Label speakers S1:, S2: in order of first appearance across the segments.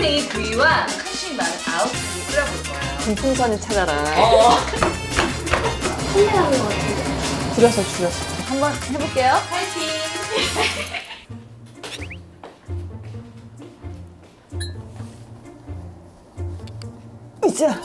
S1: 금풍생이 구이와 칼슘이 많은 아웃국을 끓여볼 거예요.
S2: 금풍선을 찾아라.
S3: 선배하는 것 같은데.
S2: 줄였어. 한번 해볼게요.
S1: 파이팅!
S2: 자.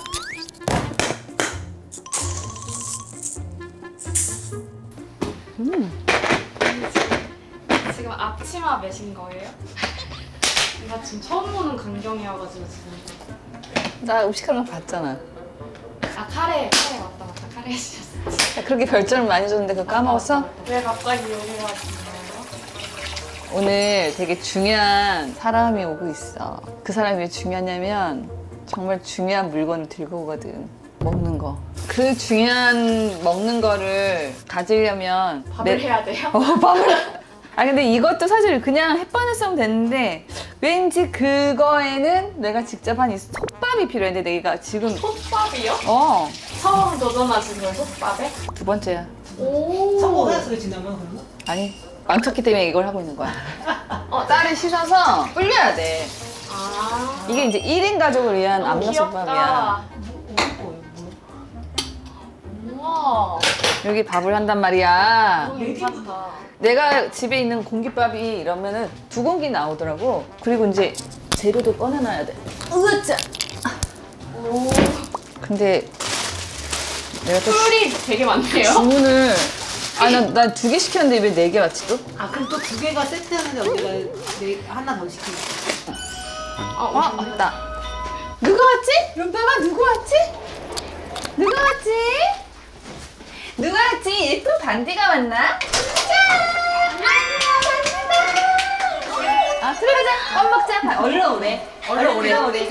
S3: 지금 앞치마 매신 거예요? 나 지금 처음 보는 광경이어가지고 지금.
S2: 나 음식하는 거 봤잖아.
S3: 아 카레 맞다 카레 해주셨어.
S2: 그렇게 별점을 많이 줬는데 그거 까먹었어?
S3: 왜 갑자기 여기 와신 거예요?
S2: 오늘 되게 중요한 사람이 오고 있어. 그 사람이 왜 중요하냐면 정말 중요한 물건을 들고 오거든. 먹는 거. 그 중요한 먹는 거를 가지려면
S3: 밥을 해야 돼요?
S2: 밥을. 아 근데 이것도 사실 그냥 햇반했으면 됐는데 왠지 그거에는 내가 직접 한 이 솥밥이 필요했는데 내가 지금
S3: 솥밥이요?
S2: 처음
S3: 도전하신 거예요 솥밥에?
S2: 두 번째야.
S3: 오.
S4: 성공했어요 지난번 그러면?
S2: 아니 망쳤기 때문에 이걸 하고 있는 거야. 쌀을 씻어서 불려야 돼.
S3: 아.
S2: 이게 이제 1인 가족을 위한
S3: 너무
S2: 압력솥밥이야.
S3: 우와.
S2: 여기 밥을 한단 말이야.
S3: 너무 괜찮다.
S2: 내가 집에 있는 공깃밥이 이러면은 2공기 나오더라고. 그리고 이제 재료도 꺼내놔야 돼. 으짜!
S3: 오.
S2: 근데 내가 또
S3: 꿀이 되게 많네요.
S2: 주문을 나 2개 시켰는데 왜 4개 왔지 또?
S4: 아 그럼 또 2개가 세트하는데 우리가 하나 더 시키고.
S2: 왔다. 누가 왔지? 룸빠가 누구 왔지? 누가 왔지? 누가 왔지? 예쁜 반디가 왔나? 아, 들어가자. 밥 먹자. 얼른 오래. 얼른 오래.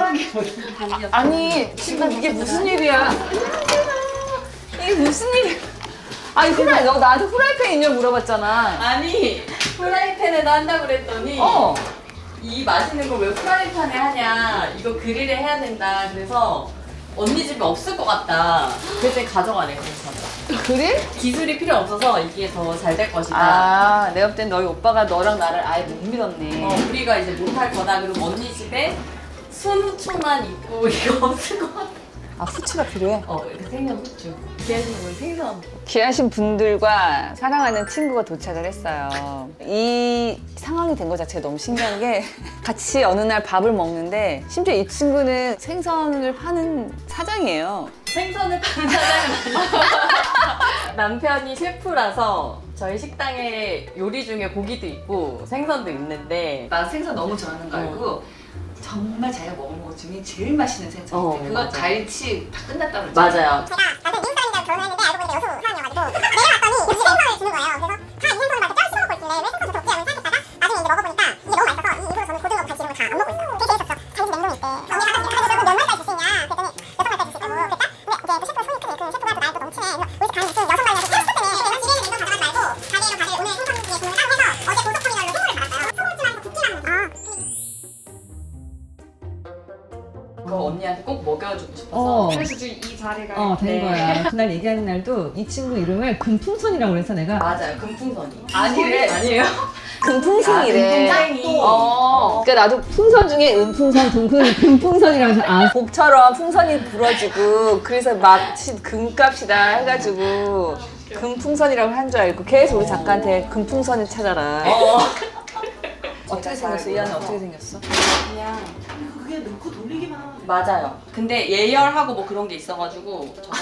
S2: 아니, 지금 이게 무슨 일이야? 이게 무슨 일이야? 아니, 너 나한테 후라이팬 있냐고 물어봤잖아.
S1: 아니, 프라이팬에다 한다고 그랬더니 이 맛있는 걸 왜 프라이팬에 하냐, 이거 그릴에 해야 된다. 그래서 언니 집에 없을 것 같다. 그랬더니 가져가래. 그래서
S2: 그릴?
S1: 기술이 필요 없어서 이게 더 잘 될 것이다.
S2: 아, 내가 볼 땐 너희 오빠가 너랑 나를 아예 못 믿었네.
S1: 우리가 이제 못할 거다. 그리고 언니 집에 순후추만 있고 이거 없을 것 같아.
S2: 아, 후추가 필요해?
S1: 이렇게 생선 후추. 기아님은 생선.
S2: 귀하신 분들과 사랑하는 친구가 도착을 했어요. 이 상황이 된 것 자체가 너무 신기한 게 같이 어느 날 밥을 먹는데 심지어 이 친구는 생선을 파는 사장이에요.
S1: 생선을 파는 사장은 아니고 남편이 셰프라서 저희 식당에 요리 중에 고기도 있고 생선도 있는데
S2: 나 생선 너무 좋아하는 거 알고 정말 자기가 먹은 것 중에 제일 맛있는 생선인데 그거
S1: 맞아.
S2: 갈치 다 끝났다고 그랬잖아.
S1: 맞아요.
S5: 제가 남편 미국 사람이랑 결혼했는데 알고 보니까 여수 사람이어가지고 내려왔더니 그 생선을 주는 거예요. 그래서 다 이 생선을 막 이렇게 쪄 씹어먹고 있길래 왜 생선 좀 덥지 하면서 생각했다가 나중에 이제 먹어보니까 이게 너무 맛있어서 이 이후로 저는 고등어, 갈치 이런 거 다 안 먹고 있어요. 되게 재밌었어. 자기 집 냉동에 있대. 언니가 가서 몇 마리까지 줄 수 있냐 그랬더니 6마리까지 줄 수 있다고 그랬다? 근데 이제 또 셰프가 손이 크네. 그 셰프가 또 나이 또 넘치네. 그래서 우리 집 가는 무슨 6마리라도 태웠기 때문에 집에는 냉동 가져가지 말고 가게로 가게 오늘 생선 중에 주문을 따로 해서 어제 고속터미널로 선물을 받았어요. 소금찜하고 굽기만
S1: 그거 언니한테 꼭 먹여주고 싶어서.
S3: 그래서 지금 이 자리가
S4: 된
S1: 네.
S4: 거야. 그날 얘기하는 날도 이 친구 이름을 금풍선이라고 그래서 내가
S1: 맞아요. 금풍선이.
S2: 아니래.
S1: 아니에요?
S2: 금풍생이래.
S1: 금풍생이.
S2: 그러니까 나도 풍선 중에
S4: 금풍선, 금풍선이라고 해서 아
S2: 복처럼 풍선이 불어지고 그래서 마치 금값이다 해가지고 금풍선이라고 한 줄 알고 계속 우리 작가한테 금풍선을 찾아라. 어떻게 생겼어? 이 안에 어떻게 생겼어?
S1: 그냥
S4: 그게 넣고 돌리기만 하면 돼.
S1: 맞아요. 근데 예열하고 뭐 그런 게 있어가지고 저거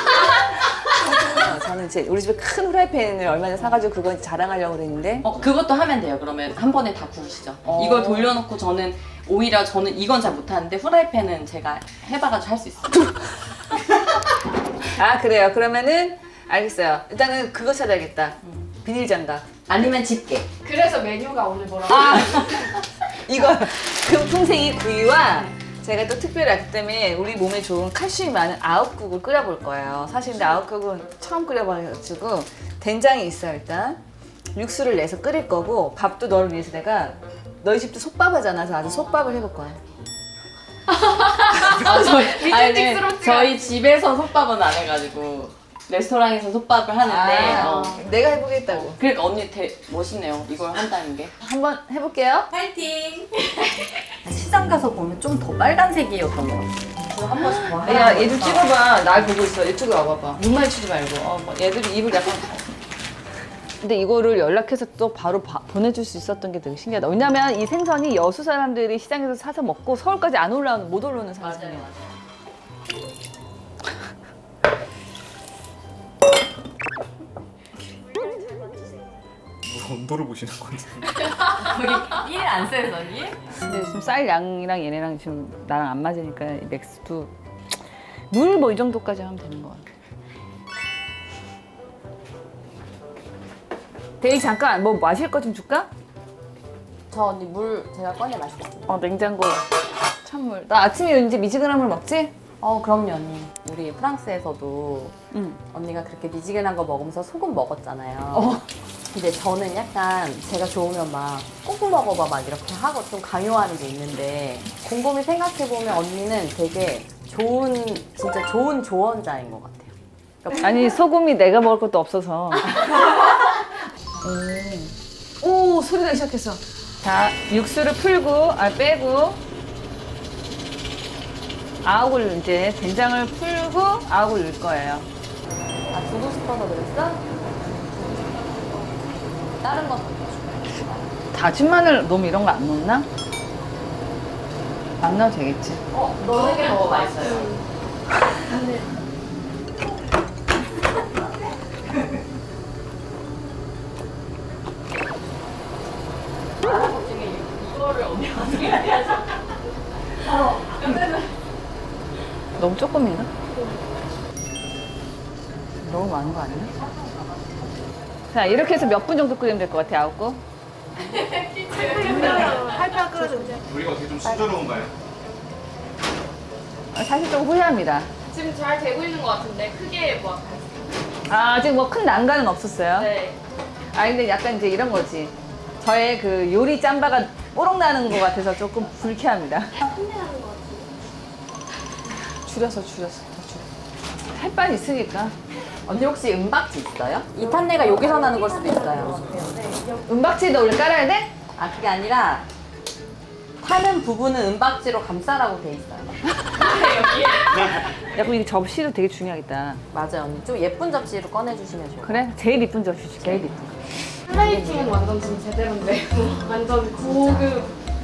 S2: 저는 이제 우리 집에 큰 후라이팬을 얼마 전에 사가지고 그거 자랑하려고 그랬는데
S1: 그것도 하면 돼요. 그러면 한 번에 다 구우시죠. 이걸 돌려놓고 저는 오히려 저는 이건 잘 못하는데 후라이팬은 제가 해봐가지고 할 수 있어요.
S2: 아 그래요. 그러면은 알겠어요. 일단은 그거 찾아야겠다. 비닐장갑.
S1: 아니면 집게.
S3: 그래서 메뉴가 오늘 뭐라고?
S2: 이거 금풍생이 구이와 제가 또 특별히 알기 때문에 우리 몸에 좋은 칼슘이 많은 아욱국을 끓여볼 거예요. 사실 근데 아욱국은 처음 끓여봐가지고 된장이 있어요 일단. 육수를 내서 끓일 거고 밥도 너를 위해서 내가 너희 집도 솥밥 하잖아. 그래서 아주 솥밥을 해볼 거야.
S1: 저희 집에서 솥밥은 안 해가지고 레스토랑에서 솥밥을 하는데
S2: 내가 해보겠다고.
S1: 그러니까 언니 멋있네요. 이걸 한다는 게.
S2: 한번 해볼게요.
S1: 파이팅!
S2: 시장
S1: 가서 보면 좀 더 빨간색이었던 것 같아. 한 번씩 더
S2: 야, 얘 좀 찍어봐. 날 보고 있어. 이쪽으로 와봐봐. 눈 마주치지 말고. 뭐 얘들이 입을 약간. 근데 이거를 연락해서 또 바로 보내줄 수 있었던 게 되게 신기하다. 왜냐면 이 생선이 여수 사람들이 시장에서 사서 먹고 서울까지 못 올라오는 생선이야.
S6: 뭐 온도를 보시는 건지.
S1: 거기 1 안 써요, 언니?
S2: 근데 지금 쌀 양이랑 얘네랑 지금 나랑 안 맞으니까 이 맥스도 물 뭐 이 정도까지 하면 되는 것 같아. 데이 잠깐 뭐 마실 거 좀 줄까?
S1: 저 언니 물 제가 꺼내 마시겠습니다.
S2: 냉장고 찬물. 나 아침에 이제 미지근한 물 먹지?
S1: 그럼요, 언니. 우리 프랑스에서도
S2: 응.
S1: 언니가 그렇게 미지근한 거 먹으면서 소금 먹었잖아요. 근데 저는 약간 제가 좋으면 막 꼭 먹어봐 막 이렇게 하고 좀 강요하는 게 있는데 곰곰이 생각해보면 언니는 되게 진짜 좋은 조언자인 것 같아요. 그러니까
S2: 아니 소금이 내가 먹을 것도 없어서. 오 소리 나기 시작했어. 자 육수를 풀고 빼고 아욱을 이제 된장을 풀고 아욱을 넣을 거예요.
S1: 두고 싶어서 그랬어? 다른 거
S2: 다진 마늘 너무 이런 거 안 넣나? 안 넣어도 되겠지.
S1: 넣는 게 더 맛있어요.
S2: 너무 조금인가? 너무 많은 거 아니야? 자 이렇게 해서 몇 분 정도 끓이면 될 것 같아 아욱국?
S6: 우리가 어떻게 좀 순조로운가요?
S2: 사실 좀 후회합니다.
S3: 지금 잘 되고 있는 것 같은데 크게 뭐
S2: 아직 뭐 큰 난관은 없었어요.
S3: 네.
S2: 근데 약간 이제 이런 거지. 저의 그 요리 짬바가 뽀록 나는 것 같아서 조금 불쾌합니다. 줄여서 더 줄여. 햇반 있으니까.
S1: 언니 혹시 은박지 있어요? 이 탄내가 여기서 나는 걸 수도 있어요.
S2: 은박지도 원래 깔아야 돼?
S1: 그게 아니라 타는 부분은 은박지로 감싸라고 돼 있어요.
S2: 야, 그럼 이 접시도 되게 중요하겠다.
S1: 맞아요, 언니. 좀 예쁜 접시로 꺼내주시면 좋아요.
S2: 그래? 제일 이쁜 접시 줄게. 제일 이쁜 거.
S3: 플레이팅은 완전 지금 제대로인데 완전 고급.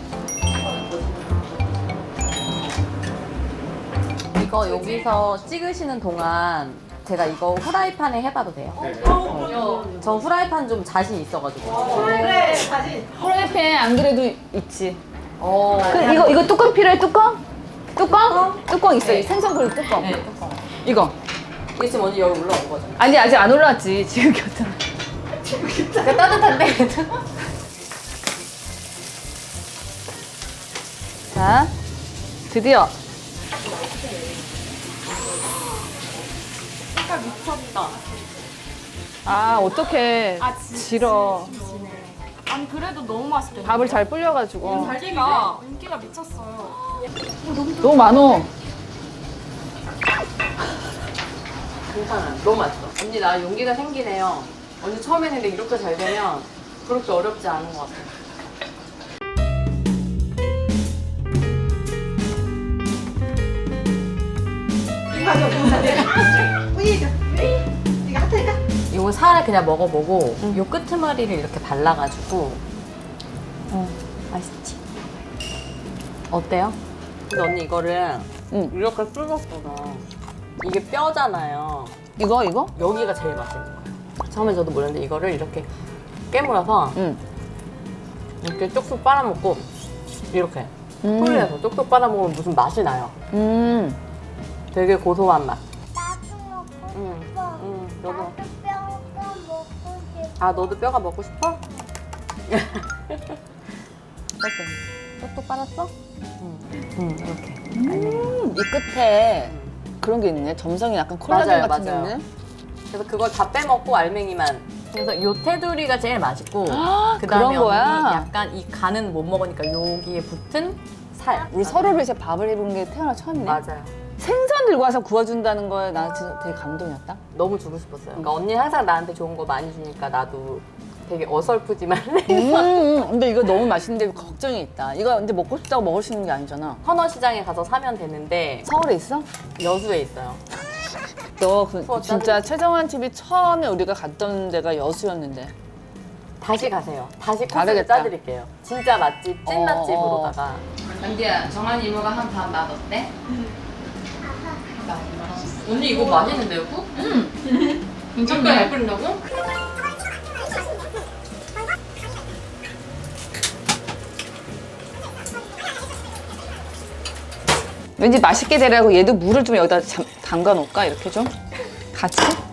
S1: 이거 여기서 찍으시는 동안 제가 이거 후라이팬에 해봐도 돼요? 저 후라이팬 좀 자신 있어가지고.
S2: 프라이팬 안 그래도 있지.
S1: 어.
S2: 이거 뚜껑 필요해? 뚜껑? 뚜껑 있어. 이 생선 그릇 뚜껑.
S1: 네, 뚜껑.
S2: 이거.
S1: 이게 지금 언니 여기 올라온 거죠?
S2: 아니 아직 안 올라왔지. 지금 겼잖아.
S1: 그러니까 따뜻한데?
S2: 자, 드디어.
S3: 색깔 미쳤다.
S2: 어떡해. 지러.
S3: 아니 그래도 너무 맛있대.
S2: 밥을 잘 불려가지고.
S3: 인기가 미쳤어요.
S2: 너무 많어.
S1: 괜찮아요. 너무 맛있어. 언니 나 용기가 생기네요. 언니 처음 했는데 이렇게 잘 되면 그렇게 어렵지 않은 것 같아요. 이거 살을 그냥 먹어보고 요 끄트머리를 이렇게 발라가지고 맛있지? 어때요? 근데 언니 이거를 이렇게 뜯었구나. 이게 뼈잖아요.
S2: 이거?
S1: 여기가 제일 맛있는 거예요. 처음에 저도 몰랐는데 이거를 이렇게 깨물어서 이렇게 쪽쪽 빨아먹고 이렇게 풀려서 쪽쪽 빨아먹으면 무슨 맛이 나요. 되게 고소한 맛.
S5: 나도 먹고 싶어.
S1: 너도.
S5: 뼈가 먹고 싶어.
S1: 너도 뼈가 먹고 싶어? 쪽쪽 빨았어? 이렇게.
S2: 이 끝에 그런 게 있네. 점성이 약간 콜라겐 같은 게 있네.
S1: 그래서 그걸 다 빼먹고 알맹이만. 그래서 요 테두리가 제일 맛있고 그
S2: 그런
S1: 다음에
S2: 거야?
S1: 언니 약간 이 간은 못 먹으니까 여기에 붙은 살.
S2: 우리 서로를 이제 밥을 해본 게 태어나 처음이네.
S1: 맞아요.
S2: 생선 들고 와서 구워준다는 거에 나 진짜 되게 감동이었다.
S1: 너무 주고 싶었어요. 그러니까 언니 항상 나한테 좋은 거 많이 주니까 나도 되게 어설프지만
S2: 근데 이거 너무 맛있는데 걱정이 있다. 이거 근데 먹고 싶다고 먹을 수 있는 게 아니잖아.
S1: 헌어시장에 가서 사면 되는데
S2: 서울에 있어?
S1: 여수에 있어요.
S2: 너
S1: 어,
S2: 진짜 최정환 TV 처음에 우리가 갔던 데가 여수였는데.
S1: 다시 가세요. 다시 코스를
S2: 다르겠다.
S1: 짜드릴게요. 진짜 맛집, 찐 맛집으로다가.
S7: 연디야, 정한 이모가 한 반 맛 어때?
S1: 언니 이거 맛있는데요, 국? 이렇게 잘 끓인다고?
S2: 왠지 맛있게 되라고 얘도 물을 좀 여기다 담가 놓을까? 이렇게 좀? 같이?